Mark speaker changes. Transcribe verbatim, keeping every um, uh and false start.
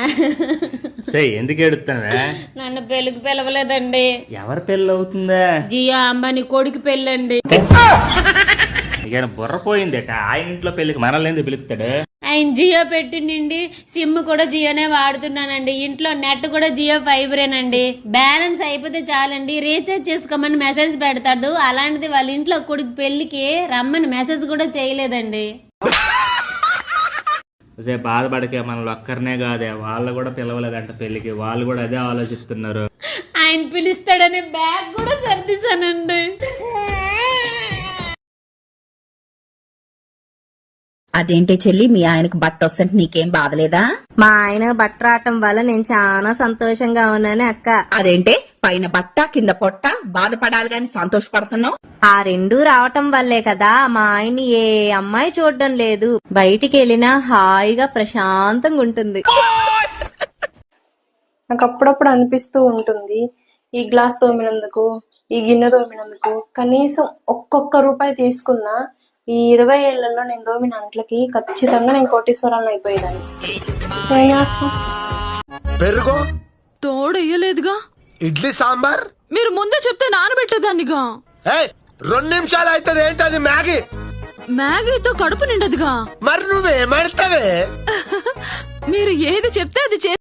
Speaker 1: సరే ఎందుకు ఏడుస్తావే?
Speaker 2: నన్ను పెళ్లికి పిలవలేదండి.
Speaker 1: ఎవరి పెళ్ళి అవుతుందా?
Speaker 2: జియా అంబానీ కొడుకు పెళ్ళండి.
Speaker 1: ఇక బుర్ర పోయిందట. ఆయన ఇంట్లో పెళ్లికి మనల్ని ఎందుకు పిలుస్తాడు?
Speaker 2: ఆయన జియో పెట్టిండి, సిమ్ కూడా జియోనే వాడుతున్నానండి. ఇంట్లో నెట్ కూడా జియో ఫైబరేనండి. బ్యాలెన్స్ అయిపోతే చాలండి రీఛార్జ్ చేసుకోమని మెసేజ్ పెడతాడు. అలాంటిది వాళ్ళ ఇంట్లో కొడుకు పెళ్లికి రమ్మని మెసేజ్ కూడా చేయలేదండి.
Speaker 1: బాధపడకే, మనల్ని ఒక్కరినే కాదే, వాళ్ళు కూడా పిలవలేదంట పెళ్లికి. వాళ్ళు కూడా అదే ఆలోచిస్తున్నారు.
Speaker 2: ఆయన పిలుస్తాడని బ్యాగ్ కూడా సర్దిశానండి.
Speaker 3: అదేంటి చెల్లి, మీ ఆయనకు బట్ట వస్తుంటే నీకేం బాధలేదా?
Speaker 4: మా ఆయన బట్ట రావటం వల్ల నేను చాలా సంతోషంగా ఉన్నాను అక్క.
Speaker 3: అదేంటే పైన బట్ట కింద పొట్ట బాధపడాలి గాని సంతోషపడుతున్నావు?
Speaker 4: ఆ రెండు రావటం వల్లే కదా మా ఆయన ఏ అమ్మాయి చూడడం లేదు. బయటికి వెళ్ళినా హాయిగా ప్రశాంతంగా ఉంటుంది.
Speaker 5: నాకు అప్పుడప్పుడు అనిపిస్తూ ఉంటుంది, ఈ గ్లాస్ తోమినందుకు, ఈ గిన్నె తోమినందుకు కనీసం ఒక్కొక్క రూపాయి తీసుకున్నా ఈ ఇరవై ఏళ్లలో నేను దోమిన అంట్లకి ఖచ్చితంగా నేను కోటీశ్వరాలను అయిపోయేదాన్ని.
Speaker 6: పెరుగు
Speaker 7: తోడయ్యలేదుగా.
Speaker 6: ఇడ్లీ సాంబార్
Speaker 7: మీరు ముందే చెప్తే నానబెట్టేదాన్నిగా.
Speaker 6: రెండు నిమిషాలు అవుతుంది. ఏంటది మ్యాగీ?
Speaker 7: మ్యాగీతో కడుపు నిండదుగా.
Speaker 6: మరి నువ్వేమడతావే?
Speaker 7: మీరు ఏది చెప్తే అది